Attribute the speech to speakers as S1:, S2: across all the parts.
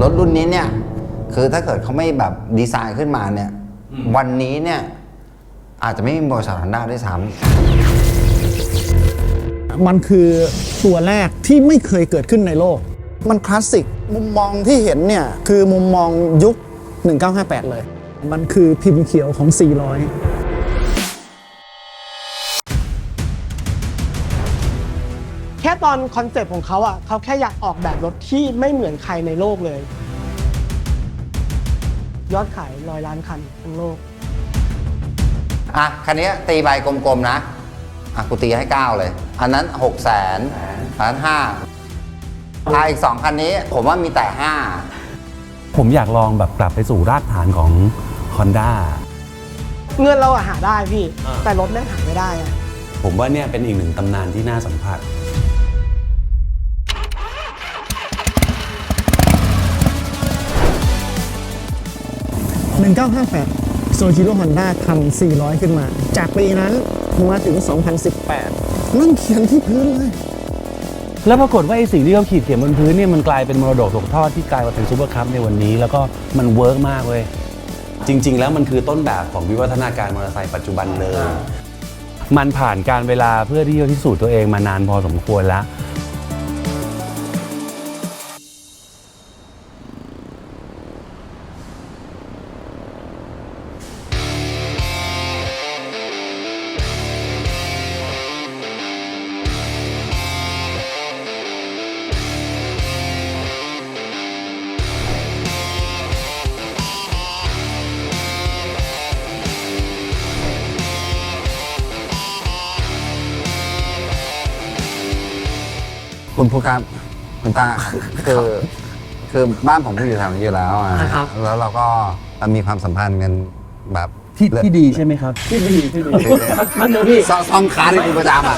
S1: รถรุ่นนี้เนี่ยคือถ้าเกิดเขาไม่แบบดีไซน์ขึ้นมาเนี่ยวันนี้เนี่ยอาจจะไม่มีบริษัท Honda ด้วยซ้
S2: ำมันคือตัวแรกที่ไม่เคยเกิดขึ้นในโลกมันคลาสสิกมุมมองที่เห็นเนี่ยคือมุมมองยุค1958เลยมันคือพิมพ์เขียวของ400
S3: แค่ตอนคอนเซปต์ของเขาอ่ะเขาแค่อยากออกแบบรถที่ไม่เหมือนใครในโลกเลยยอดขาย100 ล้านคันทั้งโลก
S1: อ่ะคันนี้ตีใบกลมๆนะอ่ะกูตีให้9เลยอันนั้น600,000อันนั้น5อีก2คันนี้ผมว่ามีแต่5
S4: ผมอยากลองแบบกลับไปสู่รากฐานของ Honda
S3: เงินเราอะหาได้พี่แต่รถแม่งหาไม่ได้อะ
S4: ผมว่าเนี่ยเป็นอีกหนึ่งตำนานที่น่าสัมผัส
S2: 1958 โซจิโร่ Honda ทำ400ขึ้นมาจากปีนั้นมาถึง 2018 นั่งเขียนที่พื้นเลย
S4: แล้วปรากฏว่าไอ้สิ่งที่เขาขีดเขียนบนพื้นเนี่ยมันกลายเป็นมรดกตกทอดที่กลายมาเป็นซูเปอร์คัพในวันนี้แล้วก็มันเวิร์กมากเว้ยจริงๆแล้วมันคือต้นแบบของวิวัฒนาการมอเตอร์ไซค์ปัจจุบันเลยมันผ่านการเวลาเพื่อที่จะพิสูจน์ตัวเองมานานพอสมควรแล้ว
S1: คุณผู้ครับคุณตาคือบ้านผมก็อยู่แถวนี้อยู่แล้วอ่ะแล้วเราก็มีความสัมพันธ์กันแบบ
S4: ที่ดีใช่ไหมครับที่ดี
S1: มันเดี๋ยวพี่ซ่อมคาร์เป็นประจำอ่ะ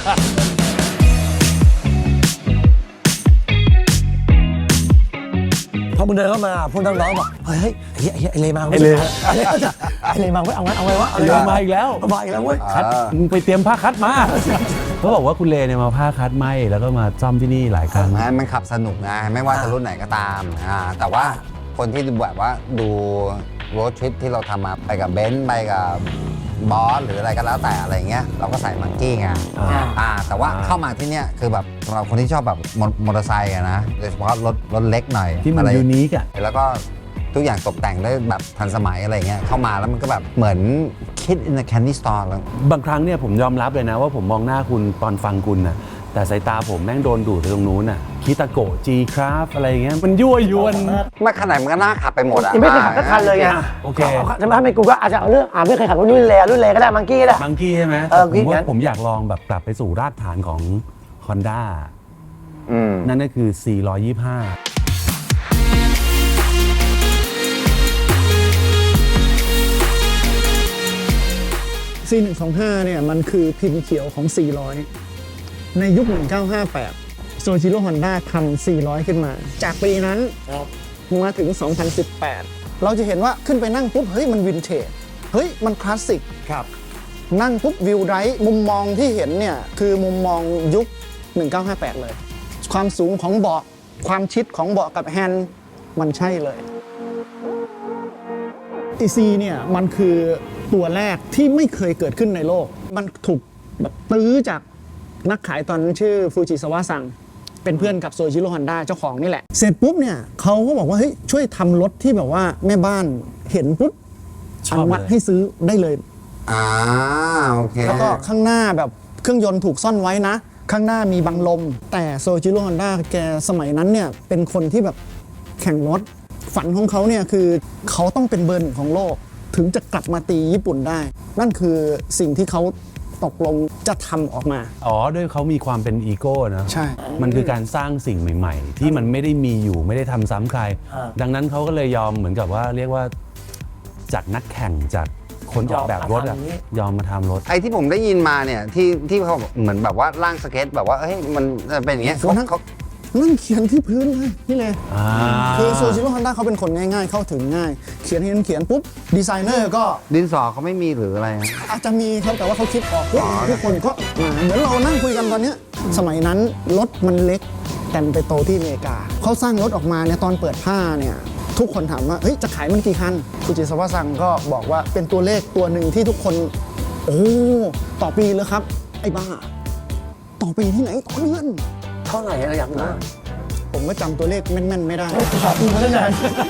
S5: พอมึงเดินเข้ามาพวกน้องๆบอกเฮ้ยไอ้เลมาไอ้เลมาเว้ยเอาไงวะ
S4: ไอ้เลมาอีกแล้ว
S5: มาอีกแล้วเว้ย
S4: คัดมึงไปเตรียมผ้าคัดมาเขาบอกว่าคุณเลเนี่ยมาผ้าคัดไหมแล้วก็มาซ่อมที่นี่หลายครั้ง
S1: มันขับสนุกนะไม่ว่าจะรุ่นไหนก็ตามแต่ว่าคนที่แบบว่าดูรถทริปที่เราทำมาไปกับเบนซ์ไปกับบอสหรืออะไรก็แล้วแต่อะไรเงี้ยเราก็ใส่มังกี้ไงแต่ว่าเข้ามาที่เนี่ยคือแบบสำหรับคนที่ชอบแบบมอเตอร์ไซค์นะโดยเฉพาะรถเล็กหน่อย
S4: ที่มันยูนิคอะ
S1: แล้วก็ทุกอย่างตกแต่งได้แบบทันสมัยอะไรเงี้ยเข้ามาแล้วมันก็แบบเหมือนคิด in the candy store แล้ว
S4: บางครั้งเนี่ยผมยอมรับเลยนะว่าผมมองหน้าคุณตอนฟังคุณนะแต่สายตาผมแม่งโดนดูดไปตรงนู้นน่ะคิตาโกะ G-Craft อะไรเงี้ยมันยั่วยวน
S1: ไม่ขนาดมันก็น่าขับไปหมดอ่ะ
S5: ไม่เคยขับสักคันเลยไง
S4: โอเค
S5: จะมาให้กูก็อาจจะเอาเรื่องไม่เคยขับรุ่นเลก็ได้มังกี้ก็ได้
S4: มังกี้ใช่ไหมผมอยากลองแบบกลับไปสู่รากฐานของ Honda นั่นก็คือ 425
S2: 4125เนี่ยมันคือพิมพ์เขียวของ400ในยุค1958โซจิโร่ Honda ทำ400ขึ้นมาจากปีนั้นมาถึง2018เราจะเห็นว่าขึ้นไปนั่งปุ๊บเฮ้ยมันวินเทจเฮ้ยมันคลาสสิก
S4: ครับ
S2: นั่งปุ๊บวิวไรท์มุมมองที่เห็นเนี่ยคือมุมมองยุค1958เลยความสูงของเบาะความชิดของเบาะกับแฮนด์มันใช่เลยEC เนี่ยมันคือตัวแรกที่ไม่เคยเกิดขึ้นในโลกมันถูกแบบตื้อจากนักขายตอนนั้นชื่อฟูจิซาวะซังเป็นเพื่อนกับโซจิโร่ Honda เจ้าของนี่แหละเสร็จปุ๊บเนี่ยเขาก็บอกว่าเฮ้ยช่วยทำรถที่แบบว่าแม่บ้านเห็นปุ๊บอนุมัติให้ซื้อได้เลย
S1: โอเค
S2: แล้วก็ข้างหน้าแบบเครื่องยนต์ถูกซ่อนไว้นะข้างหน้ามีบังลมแต่โซจิโร่ Honda แกสมัยนั้นเนี่ยเป็นคนที่แบบแข่งรถฝันของเขาเนี่ยคือเขาต้องเป็นเบอร์ 1ของโลกถึงจะกลับมาตีญี่ปุ่นได้นั่นคือสิ่งที่เขาตกลงจะทำออกมา
S4: ด้วยเขามีความเป็นอีโก้นะ
S2: ใช่
S4: มันคือการสร้างสิ่งใหม่ๆที่มันไม่ได้มีอยู่ไม่ได้ทำซ้ำใครดังนั้นเขาก็เลยยอมเหมือนกับว่าเรียกว่าจากนักแข่งจากคนออกแบบรถยอมมาทำรถ
S1: ไอ้ที่ผมได้ยินมาเนี่ยที่เขาเหมือนแบบว่าร่างสเก็ตแบบว่าเฮ้ยมันเป็นอย่างเงี้ยเขา
S2: นั่งเขียนที่พื้นเลยนี่เลยคือโซจิโร่ Honda เขาเป็นคนง่ายๆเข้าถึงง่ายเขียนปุ๊บดีไซเนอร์ก็
S1: ดินสอเขาไม่มีหรืออะไร
S2: อาจจะมีครับแต่ว่าเขาคิดออกทุกคนก็เหมือนเรานั่งคุยกันตอนนี้สมัยนั้นรถมันเล็กแต่ไปโตที่อเมริกาเขาสร้างรถออกมาเนี่ยตอนเปิดผ้าเนี่ยทุกคนถามว่าเฮ้ยจะขายมันกี่คันฟูจิซาวะซังก็บอกว่าเป็นตัวเลขตัวหนึ่งที่ทุกคนโอ้ต่อปีเลยครับไอ้บ้าต่อปีที่ไหนต่อเดือน
S5: เท่าไหร่อะอยากรู้
S2: ผมก็จำตัวเลขแม่นๆไม่ได้
S5: ขอบคุณมาตั้งนาน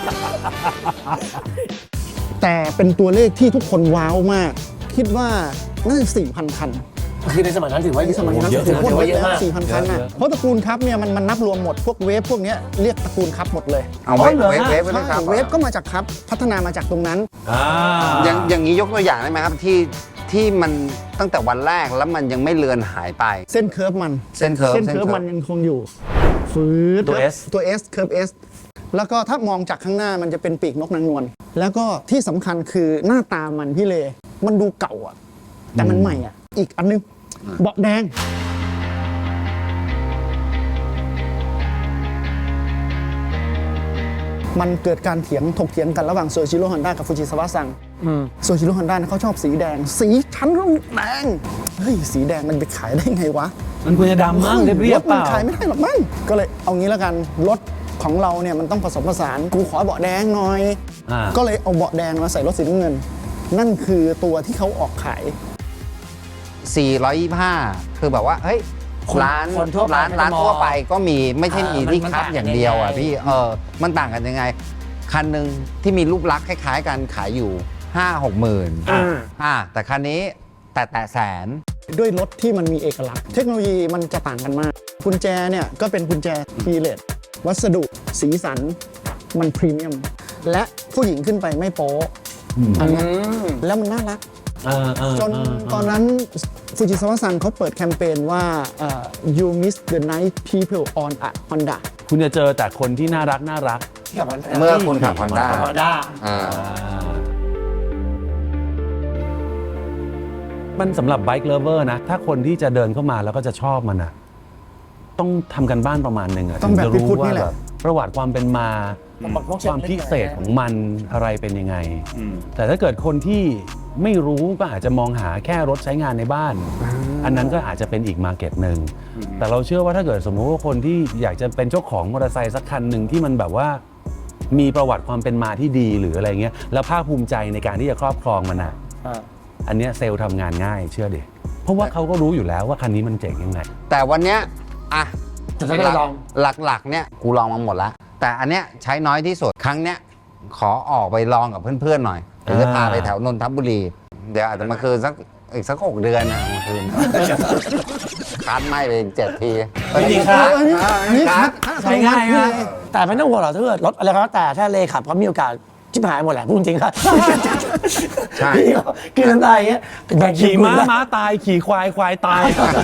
S2: แต่เป็นตัวเลขที่ทุกคนว้าวมาก คิดว่าน่าจะ 4,000 คัน
S5: คือในสมัยนั้นถือว่า
S2: ในสมัยนั้น
S5: เยอะ
S2: ถือ
S5: ถือ
S2: ว่า
S5: ว่า
S2: เย
S5: เย
S2: อะ
S5: อะ
S2: มาก
S5: มาก
S2: 4,000 คันนะเพราะตระกูลครับเนี่ยมันนับรวมหมดพวกเวฟพวกเนี้ยเรียกตระกูลครับหมดเลย
S1: เอาไว้
S5: อ๋อเหรอ
S1: เวฟ
S5: ฮะ
S1: เวฟไว้ด้วยครับ
S2: เวฟก็มาจากครับพัฒนามาจากตรงนั้น
S1: อย่างนี้ยกตัวอย่างได้ไหมครับที่มันตั้งแต่วันแรกแล้วมันยังไม่เลือนหายไป
S2: เส้นเคิร์ฟมัน
S1: เส้นเคิร์ฟ
S2: เส้นเคิร์ฟมันยังคงอยู่ฟืด
S4: ตัว S
S2: ตัว S เคิร์ฟ S แล้วก็ถ้ามองจากข้างหน้ามันจะเป็นปีกนกนางนวลแล้วก็ที่สำคัญคือหน้าตามันพี่เลมันดูเก่าอ่ะแต่มันใหม่อ่ะอีกอันนึงเบาะแดงมันเกิดการถกเถียงกันระหว่างโซจิโร่ฮอนด้ากับฟูจิซาวะซังโซจิโร่ฮอนด้าเขาชอบสีแดง สีชั้นต้องแดงเฮ้ยสีแดงมันไปขายได้ไงวะ
S4: มันควรจะดำมั้งเรียบๆเป
S2: มัน
S4: ล่า
S2: ขายไม่ได้หรอกมั้งก็เลยเอางี้แล้วกันรถของเราเนี่ยมันต้องผสมผสานกูขอเบาะแดงหน่อย ก็เลยเอาเบาะแดงมาใส่รถสีน้ำเงิน นั่นคือตัวที่เขาออกขาย
S1: 425 คือแบบว่าเฮ้ย ร้าน
S5: คนทั่วไป
S1: ร้าน
S5: ไม่ได้มอง
S1: ทั่วไปก็มีไม่ใช่มีที่
S5: มัน
S1: คับ
S5: ต่าง
S1: อย่างเดียวอ่ะ
S5: ยังไง
S1: พี่มันต่างกันยังไง คันหนึ่งที่มีรูปลักษณ์คล้ายๆกันขายอยู่ 5-6 หมื่นแต่คันนี้แต่แสน
S2: ด้วยรถที่มันมีเอกลักษณ์ เทคโนโลยีมันจะต่างกันมากกุญแจเนี่ยก็เป็นกุญแจทีเลสวัสดุสีสันมันพรีเมียมและผู้หญิงขึ้นไปไม่โป๊ะอันเนี้ยแล้วมันน่ารัก จนตอนนั้นฟูจิซาวะซังเขาเปิดแคมเปญว่าyou miss the night people on a Honda
S4: คุณจะเจอแต่คนที่น่ารัก
S5: ที่กับมัน
S1: เมื่อคุณขับ Honda
S5: ฮอนด้า
S4: มันสำหรับไบค์เลเวอร์นะ ถ้าคนที่จะเดินเข้ามาแล้วก็จะชอบมันนะต้องทำกันบ้านประมาณหนึ่งอะ
S2: ต้องแบบ
S4: ถึจะ
S2: พี่พุทธ
S4: ว่า
S2: นี่แหละ
S4: แบบประวัติความเป็นมา
S5: บอกพวก
S4: ความพิเศษของมันอะไรเป็นยังไง แต่ถ้าเกิดคนที่ไม่รู้ก็อาจจะมองหาแค่รถใช้งานในบ้าน อันนั้นก็อาจจะเป็นอีกมาร์เก็ตหนึ่งแต่เราเชื่อว่าถ้าเกิดสมมุติว่าคนที่อยากจะเป็นเจ้าของมอเตอร์ไซค์สักคันหนึ่งที่มันแบบว่ามีประวัติความเป็นมาที่ดีหรืออะไรเงี้ยแล้วภาคภูมิใจในการที่จะครอบครองมันอ่ะอันเนี้ยเซลล์ทำงานง่ายเชื่อดิเพราะว่าเขาก็รู้อยู่แล้วว่าคันนี้มันเจ๋งยังไง
S1: แต่วันเนี้ยอ่ะ
S5: จะได้ลอง
S1: หลักๆเนี่ยกูลองมาหมดแล้ว แต่อันเนี้ยใช้น้อยที่สุดครั้งเนี้ยขอออกไปลองกับเพื่อนๆหน่อยเดี๋ยวจะพาไปแถวนนทบุรี เดี๋ยวอาจจะมาคืนอีกสัก6 เดือนนะมาคืน คันไม่ไปอีก7 ที
S4: จริงครับ
S2: อันนี้คัด
S5: ใช้ง่ายมากแต่ไม่ต้องห่วงหรอกถ้าเกิดรถอะไรก็แล้วแต่ถ้าเลขับก็มีโอกาสชิบหายหมดแหละพูดจริงครับ
S1: ใช่
S5: คือน้ำตาอย่างเงี้ยแบ่ง
S4: ขี่ม้า
S5: คุณนะ
S4: ม้าตายขี่ควายควายตาย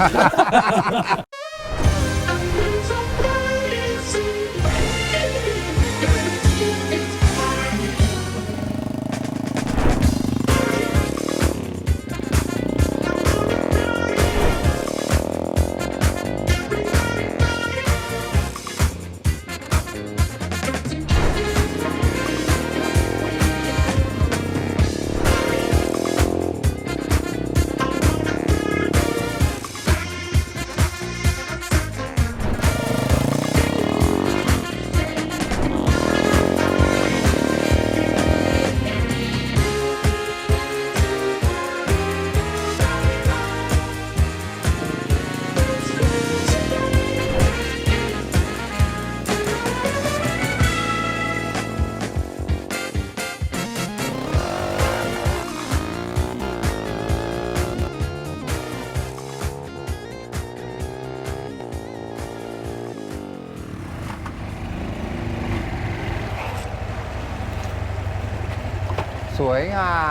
S1: สวยงาม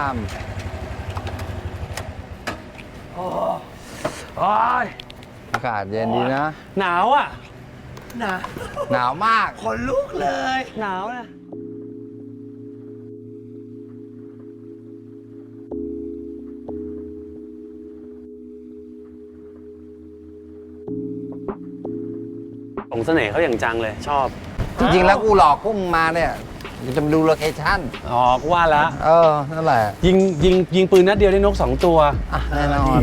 S1: อากาศเย็นดีนะ
S4: หนาวอ่ะ
S1: หนาวมาก
S5: ขนลุกเลยหนาวนะ
S4: ของเสน่ห์เขาอย่างจังเลยชอบ
S1: จริงๆ แล้วกูหลอกพวกมึงมาเนี่ยเดี๋ยวจะมาดูโลเคชั่น
S4: อ๋อก็ว่าแล้ว
S1: นั่นแหละ
S4: ยิงปืนนัดเดียวได้นก 2 ตัว
S1: แน่นอน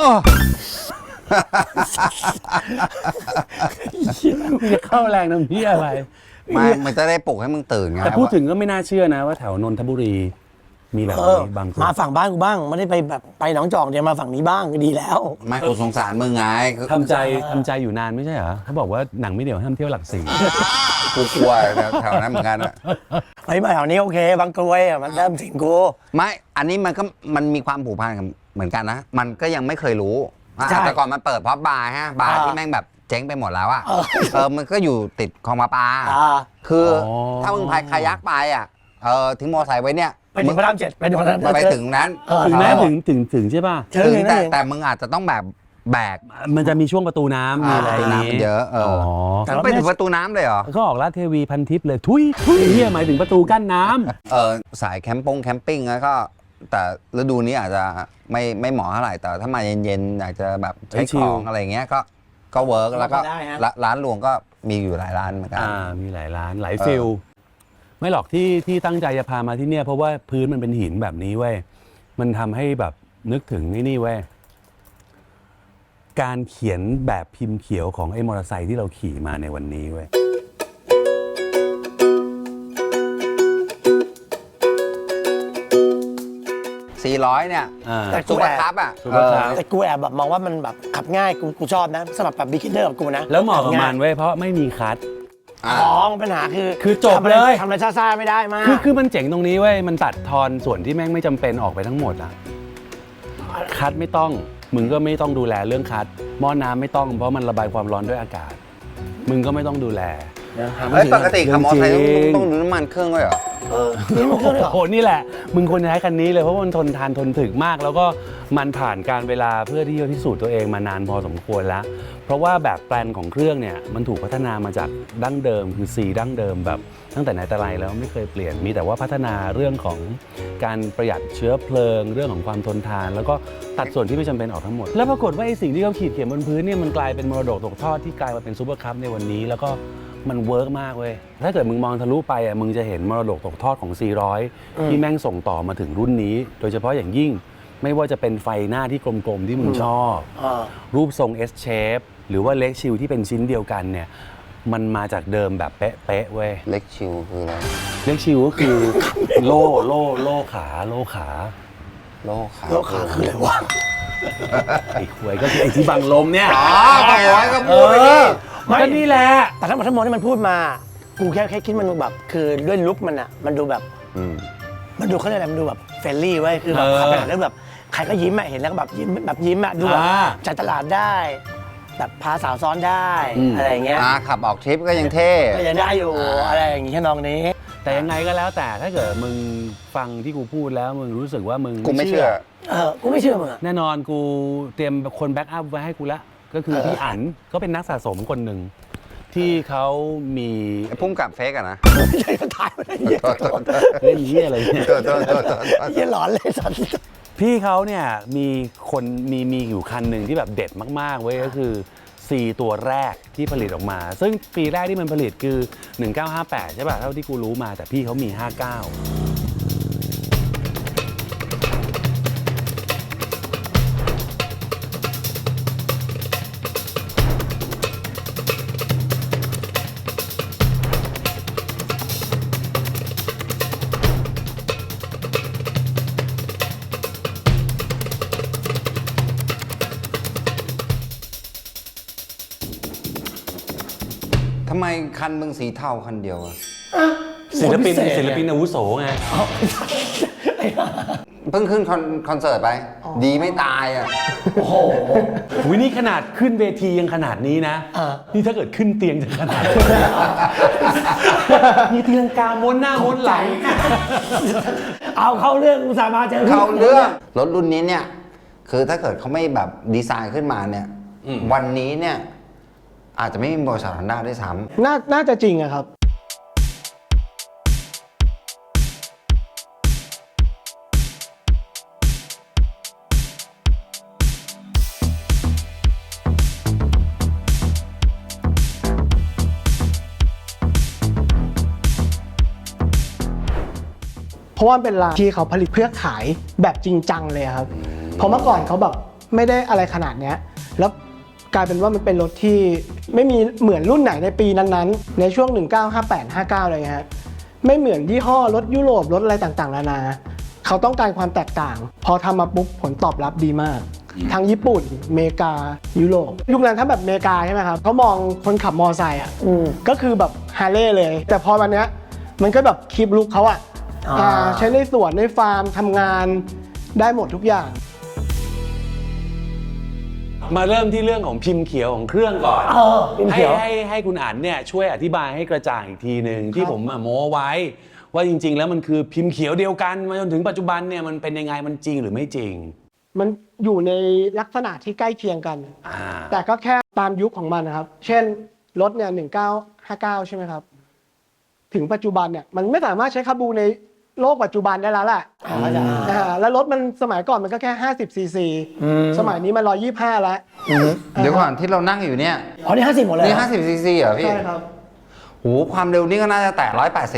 S4: มึงจะเข้าแรงน้ำพี่อะไร
S1: มันจะได้ปลุกให้มึงตื่นไง
S4: แต่พูดถึงก็ไม่น่าเชื่อนะว่าแถวนนทบุรีมีแบบนี้บางคน
S5: มาฝั่งบ้านกูบ้างไม่ได้ไปแบบไปหนองจอกเดี๋ยวมาฝั่งนี้บ้างก็ดีแล้ว
S1: ไม่กูสงสารมึงไง
S4: ทำใจอยู่นานไม่ใช่เหรอเขาบอกว่าหนังไม่เดี่ยวห้ามเที่ยวหลักสี่
S1: กูกลัวแถวนั้นเหมือนกันอะ
S5: ไปมาแถวนี้โอเคบางกรวยมันเริ่มถึงกู
S1: ไม่อันนี้มันมีความผูกพันกับเหมือนกันนะมันก็ยังไม่เคยรู้แต่ก่อนมันเปิดเพราะบาร์ฮะบาร์ที่แม่งแบบเจ๊งไปหมดแล้วอะมันก็อยู่ติดคลองปลาคือถ้ามึงพายคายักไปอะทิ้งมอเตอร์ไซค์ไว้เนี่ย
S5: ไปถึงพระราม 7ไปถึงพระราม
S1: ไปถึงนั้น
S4: ถึงแม้ถึงใช่ป่ะ
S1: ถึงแต่มึงอาจจะต้องแบบแบก
S4: มันจะมีช่วงประตูน้ำมีอะไรอย่าง
S1: น้ำมันเยอะ
S5: แต่ว่า
S1: ไปถึงประตูน้ำเลยเหรอ
S4: ก็ออกลาดเทวีพันทิพย์เลยทุยเฮียหมายถึงประตูกั้นน้ำ
S1: สายแคมปิ้งแล้วก็แต่ฤดูนี้อาจจะไม่เหมาะเท่าไหร่แต่ถ้ามาเย็นๆอยากจะแบบใช้ของอะไรเงี้ยก็เวิร์กแล้วก็ร้านรวงก็มีอยู่หลายร้านเหมือนกัน
S4: มีหลายร้านหลายฟิลไม่หรอกที่ตั้งใจจะพามาที่เนี่ยเพราะว่าพื้นมันเป็นหินแบบนี้เว้ยมันทำให้แบบนึกถึงนี่เว้ยการเขียนแบบพิมพ์เขียวของไอ้มอเตอร์ไซค์ที่เราขี่มาในวันนี้เว้ย
S1: 400เนี่ยซูเปอร์คัพอ่ะ
S5: แต่กูแอบแบบมองว่ามันแบบขับง่ายกูชอบนะสำหรับแบบบิ๊กเนอร์กับกูนะ
S4: แล้วเหมาะกับมันเว้ยเพราะไม่มีคัท
S5: ปัญหา
S4: คือจบเลย
S5: ทำอะไรซ่าๆไม่ได้มาก
S4: คือมันเจ๋งตรงนี้เว้ยมันตัดทอนส่วนที่แม่งไม่จำเป็นออกไปทั้งหมดอ่ะคัทไม่ต้องมึงก็ไม่ต้องดูแลเรื่องคัทหม้อน้ำไม่ต้องเพราะมันระบายความร้อนด้วยอากาศมึงก็ไม่ต้องดูแล
S1: ปกติขับมอเตอร์ไซค์ต้องดูน้ำมันเครื่องด้วยเหรอ
S5: นี่มันเครื่องเหรอ
S4: โอ้นี่แหละมึงควรจะใช้คันนี้เลยเพราะมันทนทานทนถึกมากแล้วก็มันผ่านการเวลาเพื่อที่จะพิสูจน์ตัวเองมานานพอสมควรแล้วเพราะว่าแบบแปลนของเครื่องเนี่ยมันถูกพัฒนามาจากดั้งเดิมคือCดั้งเดิมแบบตั้งแต่ไหนแต่ไรแล้วไม่เคยเปลี่ยนมีแต่ว่าพัฒนาเรื่องของการประหยัดเชื้อเพลิงเรื่องของความทนทานแล้วก็ตัดส่วนที่ไม่จำเป็นออกทั้งหมดแล้วปรากฏว่าไอ้สิ่งที่เขาขีดเขียนบนพื้นเนี่ยมันกลายเป็นมรดกตกทอดที่กลายมาเป็นซูเปอร์คัพในวันนี้แล้วก็มันเวิร์กมากเว้ยถ้าเกิดมึงมองทะลุไปอ่ะมึงจะเห็นมรดกตกทอดของ400ที่แม่งส่งต่อมาถึงรุ่นนี้โดยเฉพาะอย่างยิ่งไม่ว่าจะเป็นไฟหน้าที่กลมๆที่มึงชอบรูปทรง S shape หรือว่าเล็กชิลที่เป็นชิ้นเดียวกันเนี่ยมันมาจากเดิมแบบเป๊ะๆเว้ย
S1: เล็กชิลคืออะไร
S4: เล็กชิลก็คือโล่ขา
S5: คืออะไรวะ
S4: ไอ้ควยก็คือไอ้ที่บังลมเนี่ย
S1: ก็พูดไปดิ
S4: ก็นี่แหละ
S5: แต่ทั้งหมดที่มันพูดมากูแค่คิดมันแบบคือด้วยลุคมันอ่ะมันดูแบบมันดูเขาเรียกอะไรมันดูแบบเฟรนลี่ไว้คือแบบขับไปไหนแล้วแบบใครก็ยิ้มอะเห็นแล้วก็แบบยิ้มอะดูแบบจัดตลาดได้แบบพาสาวซ้อนได้อะไรอย่างเงี้ย
S1: ขับออกทริปก็ยังเท่
S5: ก็ยังได้อยู่อะไรอย่างงี้แค่น้องนี้
S4: แต่ยังไงก็แล้วแต่ถ้าเกิดมึงฟังที่กูพูดแล้วมึงรู้สึกว่ามึง
S1: กูไม่เชื่อ
S5: กูไม่เชื่อมึง
S4: แน่นอนกูเตรียมคนแบ็กอัพไว้ให้กูแล้วก็คือพี่อั๋นก็เป็นนักสะสมคนหนึ่งที่เขามี
S1: พุ่มกับเฟกอะนะ
S5: ไม่ใช่ถ่ายไม่ได้เ
S4: ล่นเหี้ยอะไรเนี่ย
S5: เหี้ยหลอนเลยสัตว์
S4: พี่เขาเนี่ยมีอยู่คันหนึ่งที่แบบเด็ดมากๆเว้ยก็คือ4ตัวแรกที่ผลิตออกมาซึ่งปีแรกที่มันผลิตคือ1958ใช่ป่ะเท่าที่กูรู้มาแต่พี่เขามี59
S1: ทำไมคันมึงสีเทาคันเดียวอะ
S4: ศิลปินอาวุโสไง
S1: เพิ่งขึ้นคอนเสิร์ตไปดีไม่ตายอ่ะ
S5: โอ้โห
S4: นี่ขนาดขึ้นเวทียังขนาดนี้นะนี่ถ้าเกิดขึ้นเตียงจะขนาดมีเตียงกาม้วนหน้าม้วนหลัง
S5: เอาเข้าเรื่องอุตส่าห์มาเจอ
S1: เข้าเรื่องรถรุ่นนี้เนี่ยคือถ้าเกิดเขาไม่แบบดีไซน์ขึ้นมาเนี่ยวันนี้เนี่ยอาจจะไม่มีบริษัท Honda ด้วยซ้
S3: ำน่าจะจริงอะครับเพราะว่าเป็นร้านที่เขาผลิตเพื่อขายแบบจริงจังเลยครับเพราะเมื่อก่อนเขาแบบไม่ได้อะไรขนาดเนี้ยแล้วกลายเป็นว่ามันเป็นรถที่ไม่มีเหมือนรุ่นไหนในปีนั้นๆในช่วง 1958 59อะไรเงี้ยฮะไม่เหมือนยี่ห้อรถยุโรปรถอะไรต่างๆนานาเขาต้องการความแตกต่างพอทำมาปุ๊บผลตอบรับดีมากทั้งญี่ปุ่นอเมริกายุโรปยุคนั้นถ้าแบบอเมริกาใช่ไหมครับเขามองคนขับมอไซค์อ่ะก็คือแบบฮาร์เลย์เลย แต่พอวันเนี้ยมันก็แบบคลิปลุคเขาอ่ะใช้ในสวนในฟาร์มทำงานได้หมดทุกอย่าง
S4: มาเริ่มที่เรื่องของพิมพ์เขียวของเครื่องก่อน
S5: พิมพ์เขียว
S4: ให้คุณอั๋นเนี่ยช่วยอธิบายให้กระจ่างอีกทีหนึ่งที่ผมโม้ไว้ ว่าจริง ๆ แล้วมันคือพิมพ์เขียวเดียวกันมาจนถึงปัจจุบันเนี่ยมันเป็นยังไงมันจริงหรือไม่จริง
S3: มันอยู่ในลักษณะที่ใกล้เคียงกัน แต่ก็แค่ตามยุคของมันนะครับ เช่นรถเนี่ย1959ใช่ไหมครับถึงปัจจุบันเนี่ยมันไม่สามารถใช้คาบูในโลกปัจจุบันได้แล้วแหละแล้วรถมันสมัยก่อนมันก็แค่50 ซีซีสมัยนี้มัน125แล้ว
S1: เดี๋ยวก่อนที่เรานั่งอยู่เนี่ย
S5: อ๋อนี่50หมดเลย
S1: นี่50 ซีซีเหรอพี่
S3: ใช่ครับ
S1: โหความเร็วนี่ก็น่าจะแตะ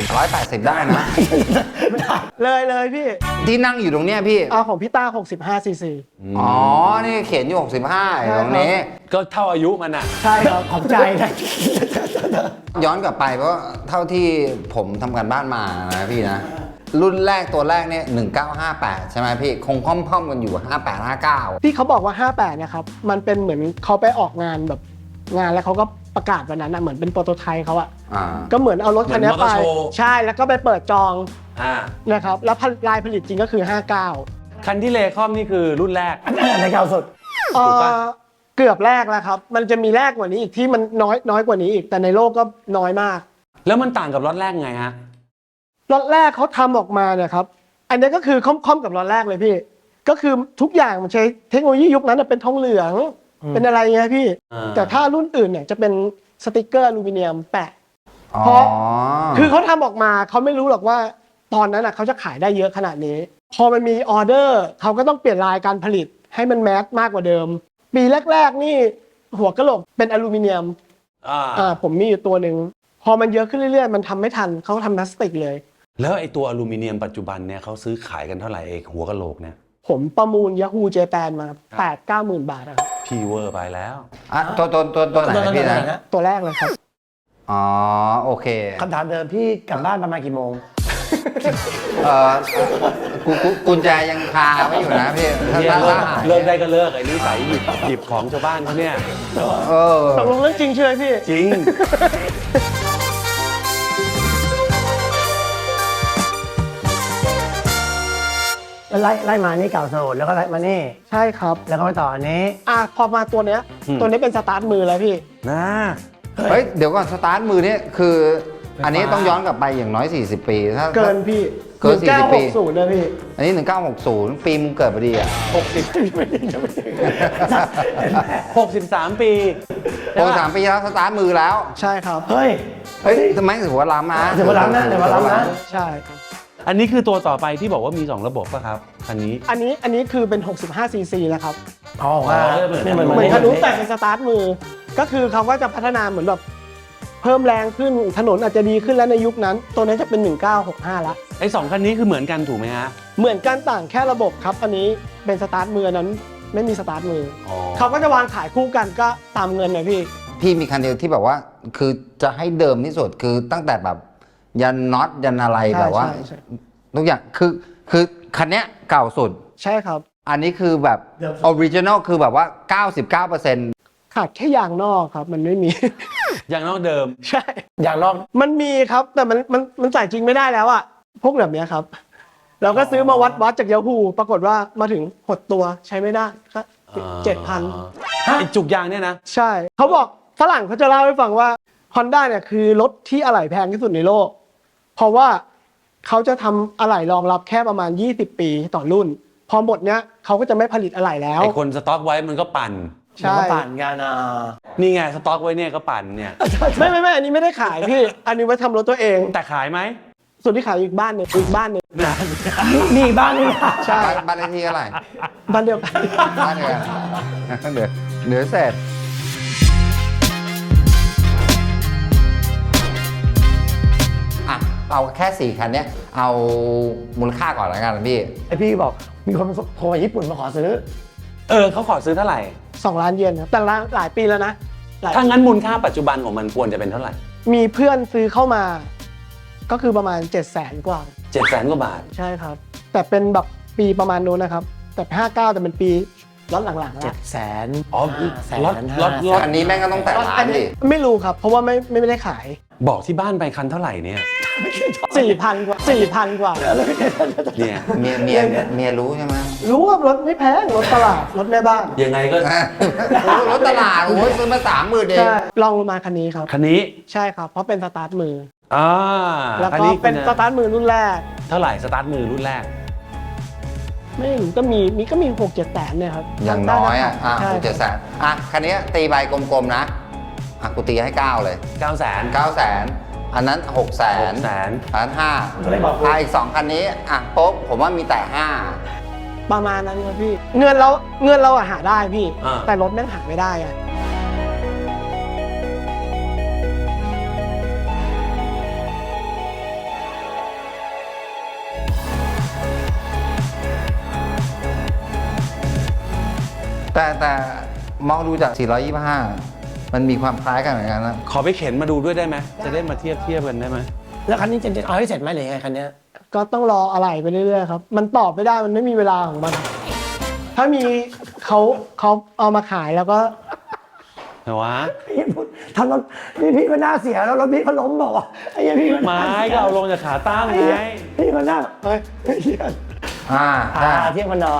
S1: 180 ได้นะ
S3: เลยพี่
S1: ที่นั่งอยู่ตรงเนี้ยพี่
S3: เอาของพี่ต้า65 ซีซี
S1: อ๋อ นี่เขียนอยู่65อยู่ตรงนี้
S4: ก็เท่าอายุมันอ่ะ
S3: ใช่ครับ
S5: ขอบใจนะ
S1: ย้อนกลับไปเพราะเท่าที่ผมทำการบ้านมานะพี่นะ รุ่นแรกตัวแรกเนี่ย1958 ใช่ไหมพี่ คงค่อมๆกันอยู่ 58 59
S3: ที่เขาบอกว่า 58เนี่ยครับมันเป็นเหมือนเขาไปออกงานแบบงานแล้วเขาก็ประกาศวันนั้นนะเหมือนเป็นโปรโตไทป์เขาอะ ก็เหมือนเอารถคันนี้
S4: เหมื
S3: ไป
S4: อนมอเตอร์โชว์
S3: ใช่แล้วก็ไปเปิดจอง
S4: อ่า
S3: นะครับแล้วลายผลิตจริงก็คือ 59
S4: คันที่เลคอมนี่คือรุ่นแรก
S5: ในเก่าสุด
S4: ถูกปะ
S3: เกือบแรกแล้วครับ มันจะมีแรกกว่านี้อีกที่มันน้อยกว่านี้อีกแต่ในโลกก็น้อยมาก
S4: แล้วมันต่างกับรถแรกไงฮะ
S3: รถแรกเขาทำออกมาเนี่ยครับอันนี้ก็คือค่อมๆกับรถแรกเลยพี่ ก็คือทุกอย่างมันใช้เทคโนโลยียุคนั้นเป็นทองเหลืองเป็นอะไรเงี้ยพี่ แต่ถ้ารุ่นอื่นเนี่ยจะเป็นสติกเกอร์อลูมิเนียมแปะ เพราะคือเขาทำออกมาเขาไม่รู้หรอกว่าตอนนั้นเขาจะขายได้เยอะขนาดนี้ พอมันมีออเดอร์เขาก็ต้องเปลี่ยนลายการผลิตให้มันแมสมากกว่าเดิม ปีแรกๆนี่หัวกะโหลกเป็นอลูมิเนียมผมมีอยู่ตัวหนึ่งพอมันเยอะขึ้นเรื่อยๆมันทำไม่ทันเขาทำพลาสติกเลย
S4: แล้วไอ้ตัวอลูมิเนียมปัจจุบันเนี่ยเขาซื้อขายกันเท่าไหร่เองหัวกะโหลกเนี่ย
S3: ผมประมูล Yahoo Japan มา 8-9 หมื่นบาทครับ
S4: พีเวอร์ไปแล้ว
S1: ตัวไหนพี่นะ
S3: ตัวแรกเลยครับ
S1: อ๋อ โอเค
S5: คำถามเดิมพี่กลับบ้านประมาณกี่โมง
S1: กุญแจยังคาไว้อยู่นะพี่ถ้า
S4: เนี่ย
S1: ถ้าหาย
S4: เลิกได้ก็เลิกไอ้นิสัยหยิบของชาวบ้านเขาเนี่ย
S1: เออ
S3: ตกลงเรื่องจริงใช่ไหมพี่
S4: จริง
S5: แล้วไล่มานี่เก่าสุดแล้วก็ไล่มานี่
S3: ใช่ครับ
S5: แล้วก็ไปต่ออันนี้
S3: พอมาตัวเนี้ย ตัวนี้เป็นสตาร์ทมือแล้วพี่
S4: นะ
S1: เฮ้ย เดี๋ยวก่อนสตาร์ทมือเนี่ยคือ อันนี้ต้องย้อนกลับไปอย่างน้อย 40 ปีถ้า
S3: เกินพี่
S1: เกิน40 ปี
S3: 1960นะพี่
S1: อันนี้ 1960 ปีมึงเกิดพอดีอ่ะ
S4: 63 ปี
S1: 63 ปีแล้วสตาร์ทมือแล้ว
S3: ใช่ครับ
S5: เฮ้ย
S1: เฮ้ยทำไมถือว่าล้ำนะ
S5: ถือว่าล้ำนะถือว่าล้ำนะ
S3: ใช่ครับ
S4: อันนี้คือตัวต่อไปที่บอกว่ามี 2 ระบบป่ะครับคันนี้
S3: อันนี้คือเป็น 65 ซีซีนะครับ
S5: อ๋อว่าเนี่ยมัน
S3: เหมือนทะลุแต่เป็นสตาร์ทมือ ก็คือเขาก็จะพัฒนาเหมือนแบบเพิ่มแรงขึ้นถนนอาจจะดีขึ้นแล้วในยุคนั้น ตัวนี้จะเป็น 1965ละ
S4: ไอ้ 2 คันนี้คือเหมือนกันถูกไหมฮะ
S3: เหมือนกันต่างแค่ระบบครับ อันนี้เป็นสตาร์ทมืออันนั้นไม่มีสตาร์ทมือ
S4: อ๋อ
S3: เขาก็จะวางขายคู่กันก็ตามเงินนะพี่
S1: พี่มีคันเดียวที่แบบว่า คือจะให้เดิมที่สุดคือตั้งแต่แบบยันน็อตยันอะไร
S3: ใช่
S1: แบบว่า
S3: ใช่
S1: ทุกอย่างคือคันเนี้ยเก่าสุด
S3: ใช่ครับ
S1: อันนี้คือแบบออริจินอลคือแบบว่า 99%
S3: ขาดแค่ยางนอกครับ มันไม่มี
S4: อย่างนอกเดิม
S3: ใช่
S5: อย่างนอก
S3: มันมีครับ แต่มันใส่จริงไม่ได้แล้วอะพวกแบบเนี้ยครับ เราก็ซื้อมาวัดจาก Yahoo ปรากฏว่ามาถึงหดตัวใช้ไม่ได้ก็7,000
S4: ไอ้จุกยางเนี่ยนะ
S3: ใช่ เขาบอกฝรั่งเขาจะเล่าให้ฟังว่า Honda เนี่ยคือรถที่อะไหล่แพงที่สุดในโลก เพราะว่าเขาจะทำอะไหล่รองรับแค่ประมาณ20 ปีต่อรุ่น พอหมดเนี้ยเขาก็จะไม่ผลิตอะไหล่แล้ว
S4: ไอ้คนสต็อกไว้มันก็ปั่น
S3: ใช่
S5: มันก็ปั่นกัน
S4: นี่ไงสต็อกไว้เนี่ยก็ปั่นเนี่ย
S3: ไม่อันนี้ไม่ได้ขายพี่ อันนี้ไว้ทำรถตัวเอง
S4: แต่ขายไหม
S3: ส่วนที่ขายอีกบ้านหนึ่งอีกบ้านหนึ่ง
S5: นี่บ้านนี่นะ
S3: ใช่
S1: บ้านเลขที่เท่าไหร่
S3: บ้านเดียวกัน
S1: บ้านเดียวกันเหลือเศษอ่ะเอาแค่ 4 คันเนี้ยเอามูลค่าก่อนแล้วกันพี่
S5: ไอพี่บอกมีคนโทรมาญี่ปุ่นมาขอซื้อ
S4: เขาขอซื้อเท่าไหร่
S3: 2 ล้านเยนครับแต่หลายปีแล้วนะหลาย
S4: ถ้างั้นมูลค่าปัจจุบันของมันควรจะเป็นเท่าไหร่
S3: มีเพื่อนซื้อเข้ามา ก็คือประมาณ 700,000 กว่า
S4: 700,000 กว่าบาท
S3: ใช่ครับ แต่เป็นแบบปีประมาณนู้นนะครับ แต่59แต่เป็นปีล็อตหลังๆ
S5: 700,000
S4: อ๋อ
S5: 500,000
S4: รถ
S1: อันนี้แม่งก็ต้องแต่ล้านดิ
S3: ไม่รู้ครับ เพราะว่าไม่ได้ขาย
S4: บอกที่บ้านไปคันเท่าไหร่เนี่ย
S3: 4,000 กว่า 4,000 กว่า
S4: เนี่ย
S1: เมียรู้ใช่ไหม
S3: รู้ว่ารถไม่แพงรถตลาดรถแม่บ้าน
S4: ยังไงก็
S1: รถตลาดโอ้ยซื้อมา30,000เอง
S3: ใช่ลองลงมาคันนี้ครับ
S4: คันนี้
S3: ใช่ครับ เพราะเป็นสตาร์ทมือ แล้ว
S4: คัน
S3: ก็
S4: นี้
S3: เป็นสตาร์ทมือรุ่นแรก
S4: เท่าไหร่สตาร์ทมือรุ่นแรก
S3: ไม่รู้ก็มี6-7 แสนเนี่ยครับ
S1: อย่างน้อยอ่ะ
S3: ใช่
S1: 6-7 แสนอ่ะคันนี้ตีใบกลมๆนะอ่ะกูตีให้ 9 เลย
S4: 900,000
S1: 9 แสนอันนั้น6 แสน
S4: 600,000
S1: อันนั้น
S5: จะได้บอก
S1: 5อีก 2 คันนี้อ่ะปุ๊บผมว่ามีแต่
S3: ประมาณนั้นครับพี่ เงินเราอะหาได้พี่
S4: อ่า
S3: แต่รถแม่งหาไม่ได้อะ
S1: 5แต่มองดูจาก 425 มันมีความคล้ายกันเหมือนกันนะ
S4: ขอไปเข็นมาดูด้วยได้ไหม จะได้มาเทียบกันได้ไหม
S5: แล้วคันนี้จะเอาให้เสร็จไหมหรือยังไงคันเนี้ย
S3: ก็ต้องรออะไรไปเรื่อยๆครับ มันตอบไม่ได้มันไม่มีเวลาของมัน ถ้ามีเขาเอามาขายแล้วก็
S4: แต่ว่า
S5: พี่พูดทำรถพี่มันน่าเสียแล้วรถพี่เขาล้มบอกว่าไอ้เหี้ยพี่มัน
S4: ไม้ก็เอาลงจากขาตั้ง
S5: ไอ้เหี้ย
S4: ไง
S5: พี่มันน่าเฮ้ยเหี้ย
S1: ใช่
S5: เทียบมันหน่อย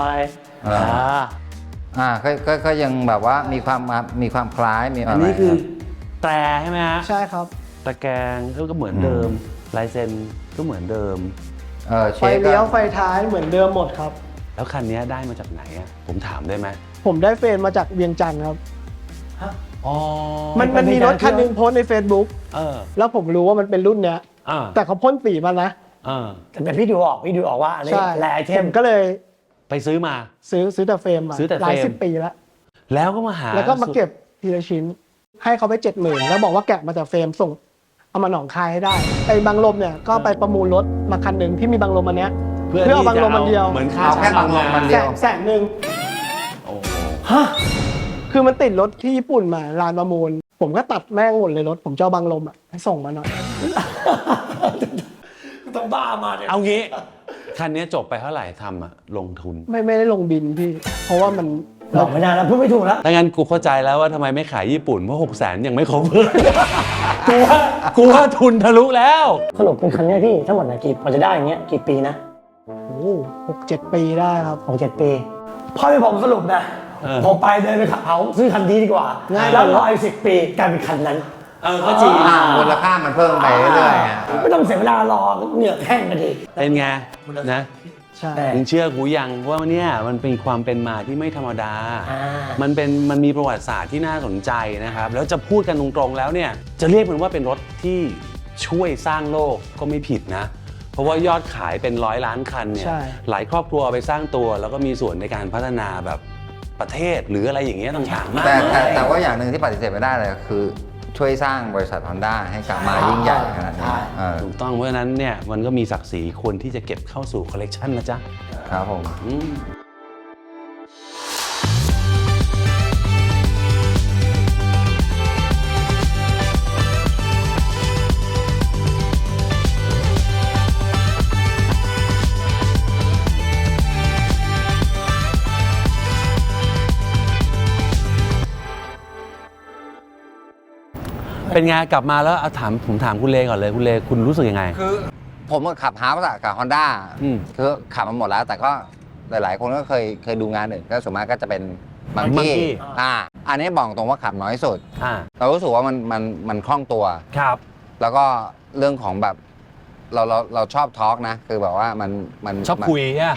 S1: ก็ยังแบบว่ามีความคล้ายมี
S4: อันนี้คือแตรใช่ไหมฮะ
S3: ใช่ครับ
S4: ตะแกรงก็เหมือนเดิม ลายเซ็นก็เหมือนเดิม
S1: เช
S3: ไฟ
S1: ฟก็
S3: เลี้ยวไฟท้ายเหมือนเดิมหมดครับ
S4: แล้วคันนี้ได้มาจากไหนอ่ะ ผมถามได้ไหม
S3: ผมได้เฟรนมาจากเวียงจันทร์ครับ
S4: อ๋อ
S3: มันมีรถคันหนึงโพสต์ใน Facebook แล้วผมรู้ว่ามันเป็นรุ่นเนี้ย แต่เขาพ่นสีมานะ
S5: แต่พี่ดูออกว่าอันนี้
S3: ใช่
S5: แลไอเท
S3: ผม มก็เลย
S4: ไปซื้อมา
S3: ซื้อแต่เฟรมมา
S4: ซื้อแต่เฟรม
S3: หลาย10 ปีแล้ว
S4: แล้วก็มาหา
S3: แล้วก็มาเก็บทีละชิ้น ให้เขาไป 70,000 แล้วบอกว่าแกะมาจากเฟรมส่ง เอามาหนองคายให้ได้ไอ้บางลมเนี่ยก็ไปประมูลรถมาคันหนึ่งที่มีบางลมอันเนี้ย เพื่อเอาบางลมอันเดียว
S4: เหมือนค่า
S1: เอาแค่บางลมมันเดียว
S3: แสนหนึ่ง
S4: โอ้โห
S3: คือมันติดรถที่ญี่ปุ่นมาลานประมูล ผมก็ตัดแม่งหมดเลยรถ ผมจะเอาบางลมอ่ะให้ส่งมาหน่อย
S5: ต้องบ้ามาเนี่ย
S4: เอางี้ คันนี้จบไปเท่าไหร่ทำอะลงทุน
S3: ไม่ได้ลงบินพี่ เพราะว่ามัน
S5: บอกไม่ได้แล้วพูดไม่ถูกแล้ว
S4: ถ้างั้นกูเข้าใจแล้วว่าทำไมไม่ขายญี่ปุ่น เพราะ600,000ยังไม่ cover กูว่าทุนทะลุแล้ว
S5: สรุปเป็นคันเนี้ยพี่ทั้งหมดนะกี่พอจะได้อย่างเงี้ยกี่ปีนะ
S3: โอ้6-7 ปีได้ครับ
S5: 6-7 ปีพอที่ผมสรุปนะ ผมไปเดินไปขับเขาซื้อคันนี้ดีกว่า
S3: ง่าย
S5: แล้วรออีก10 ปีกลายเป็นคันนั้น
S4: ก็จริง
S1: มูลค่ามันเพิ่มไปเรื่อยๆอ่ะ
S5: ไม่ต้องเสียเวลารอเหนื่อยแห้งกันดี
S4: เป็นไงนะ
S3: ใช่
S4: มึงเชื่อกูยังว่าเนี่ยมันเป็นความเป็นมาที่ไม่ธรรมดา
S5: อ่า
S4: มันมีประวัติศาสตร์ที่น่าสนใจนะครับ แล้วจะพูดกันตรงๆแล้วเนี่ย จะเรียกมันว่าเป็นรถที่ช่วยสร้างโลกก็ไม่ผิดนะ เพราะว่ายอดขายเป็น100 ล้านคันเนี่ย
S3: ใช่
S4: หลายครอบครัวเอาไปสร้างตัว แล้วก็มีส่วนในการพัฒนาแบบประเทศหรืออะไรอย่างเงี้ยต่างๆมาก
S1: แต่ว่าอย่างหนึ่งที่ปฏิเสธไม่ได้เลยคือช่วยสร้างบริษัท Honda ให้กลับมายิ่งใหญ่ขนาดนี้
S4: ถูกต้องเพราะฉะนั้นเนี่ยมันก็มีศักดิ์ศรีควรที่จะเก็บเข้าสู่คอลเลกชันนะจ๊ะ
S1: ครับผม
S4: อืม เป็นไงกลับมาแล้วเอาผมถามคุณเลก่อนเลยคุณเลคุณรู้สึกยังไง
S1: คือผมก็ขับฮาร์ปกับ Honda
S4: อืม
S1: คือขับมาหมดแล้ว แต่ก็หลายๆ คนก็เคยดูงานอื่นก็ส่วนมากก็จะเป็นมัง
S4: Monkey
S1: กี้อันนี้บอกตรงว่าขับน้อยสุด
S4: อ่า
S1: เรารู้สึกว่ามันคล่องตัว
S4: ครับ
S1: แล้วก็เรื่องของแบบเราชอบทอล์กนะ คือแบบว่ามัน
S4: ชอบคุยอ่ะ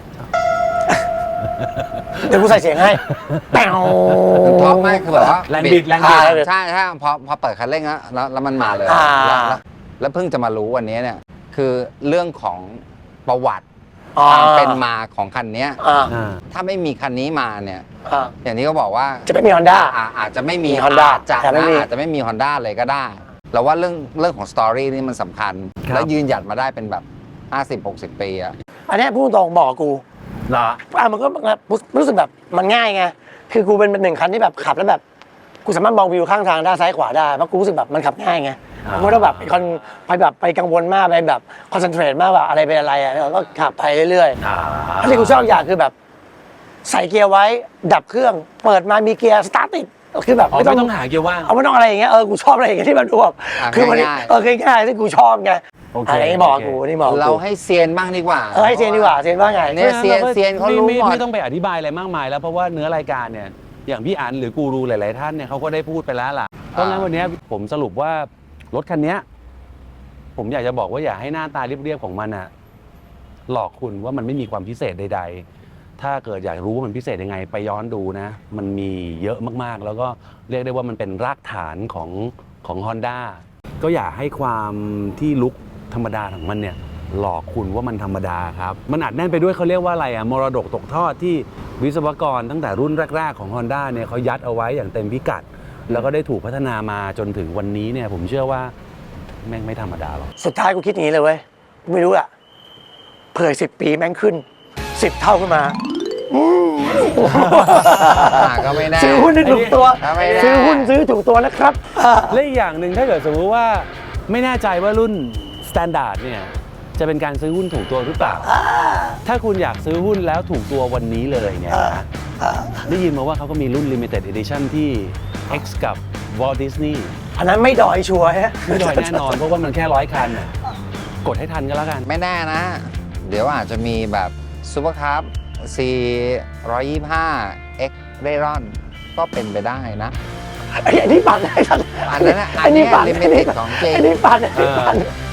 S5: เดี๋ยวกูใส่เสียงให้แป๋ว
S1: มันทอล์กไม่คือแบบว่า
S4: แรงบิดแรงบิด
S1: ใช่พอเปิดคันเร่งแล้วมันมาเลยแล้วเพิ่งจะมารู้วันนี้เนี่ยคือเรื่องของประวัติความเป็นมาของคันนี้ถ้าไม่มีคันนี้มาเนี่ยอย่างที่เขาบอกว่า
S5: จะไม่มี Honda
S1: อาจจะไม่มี
S5: Honda
S1: อาจจะไม่มี Honda เลยก็ได้เราว่าเรื่องของสตอรี่นี่มันสำคัญ
S4: ครับ
S1: แล้วยืนหยัดมาได้เป็นแบบ 50-60 ปีอะ
S5: อันเนี้ยพูดตรงบอกกู
S4: เหรอ
S5: มันก็รู้สึกแบบมันง่ายไงคือกูเป็นหนึ่งคันที่แบบขับแล้วแบบกูสามารถมองวิวข้างทางด้านซ้ายขวาได้เพราะกูรู้สึกแบบมันขับง่ายไงไม่ต้องแบบไปกังวลมากไปแบบคอนเซนเทรตมากแบบอะไรเป็นอะไรอ่ะก็ขับไปเรื่อยๆที่กูชอบอย่างคือแบบใส่เกียร์ไว้ดับเครื่องเปิดมามีเกียร์สตาร์ทติดคือแบบไม่ต้อง
S4: หาเกียร์ว่าง
S5: เอาไม่ต้องอะไรอย่างเงี้ยกูชอบอะไรอย่างเงี้ยที่มันดูแบบคือมันง่ายๆที่กูชอบไงอะไรนี่บอกกูนี่บอก
S1: เราให้เซียนบ้างดีกว่า
S5: ให้เซียนดีกว่าเซียนว่าไง
S1: เนี่ยเซียนเขารู้หมด
S4: ไม่ต้องไปอธิบายอะไรมากมายแล้วเพราะว่าเนื้อรายการเนี่ยอย่างพี่อันหรือกูรูหลายๆท่านเนี่ยเขาก็ได้พูดไปแล้วล่ะเพราะงั้นวันนี้ผมสรุปว่ารถคันนี้ผมอยากจะบอกว่าอย่าให้หน้าตาเรียบๆของมันอะหลอกคุณว่ามันไม่มีความพิเศษใดๆถ้าเกิดอยากรู้ว่ามันพิเศษยังไงไปย้อนดูนะมันมีเยอะมากๆแล้วก็เรียกได้ว่ามันเป็นรากฐานของ Honda ก็อย่าให้ความที่ลุคธรรมดาของมันเนี่ยหลอกคุณว่ามันธรรมดาครับมันอัดแน่นไปด้วยเขาเรียกว่าอะไรอะมรดกตกทอดที่วิศวกรตั้งแต่รุ่นแรกๆของ Honda เนี่ยเขายัดเอาไว้อย่างเต็มพิกัดแล้วก็ได้ถูกพัฒนามาจนถึงวันนี้เนี่ยผมเชื่อว่าแม่งไม่ธรรมดาหรอก
S5: สุดท้ายกูคิดอย่างนี้เลยเว้ยไม่รู้อะเผื่อ10 ปีแม่งขึ้น10 เท่าขึ้นมา
S1: ก็ไม่ได้
S5: ซื้อหุ้นได้ถูกตัว
S1: ไม่ได้
S5: ซื้อหุ้นซื้อถูกตัวนะครับ
S4: และอีกอย่างหนึ่งถ้าเกิดสมมติว่าไม่แน่ใจว่ารุ่น Standard เนี่ยจะเป็นการซื้อหุ้นถูกตัวหรือเปล่า ถ้าคุณอยากซื้อหุ้นแล้วถูกตัววันนี้เลยเนี่ยนะได้ยินมาว่าเขาก็มีรุ่น Limited Edition ที่ X กับ Walt Disney
S5: อันนั้นไม่ดอยชัวร์ฮะ
S4: ไม่ดอยแน่นอนเพราะว่ามันแค่100 คันน่ะกดให้ทันก็แล้วกัน
S1: ไม่แน่นะ เดี๋ยวอาจจะมีแบบซูเปอร์คัพ C 125 X เรรอนก็เป็นไปได้นะ
S5: อันนี้ปั่นได้ทัน
S1: อันนั้นนะอัน
S5: นี้
S1: นี้
S5: ปั่น
S1: ลิมิเต็ดของจริง
S5: อันนี้ปั่น
S4: เออ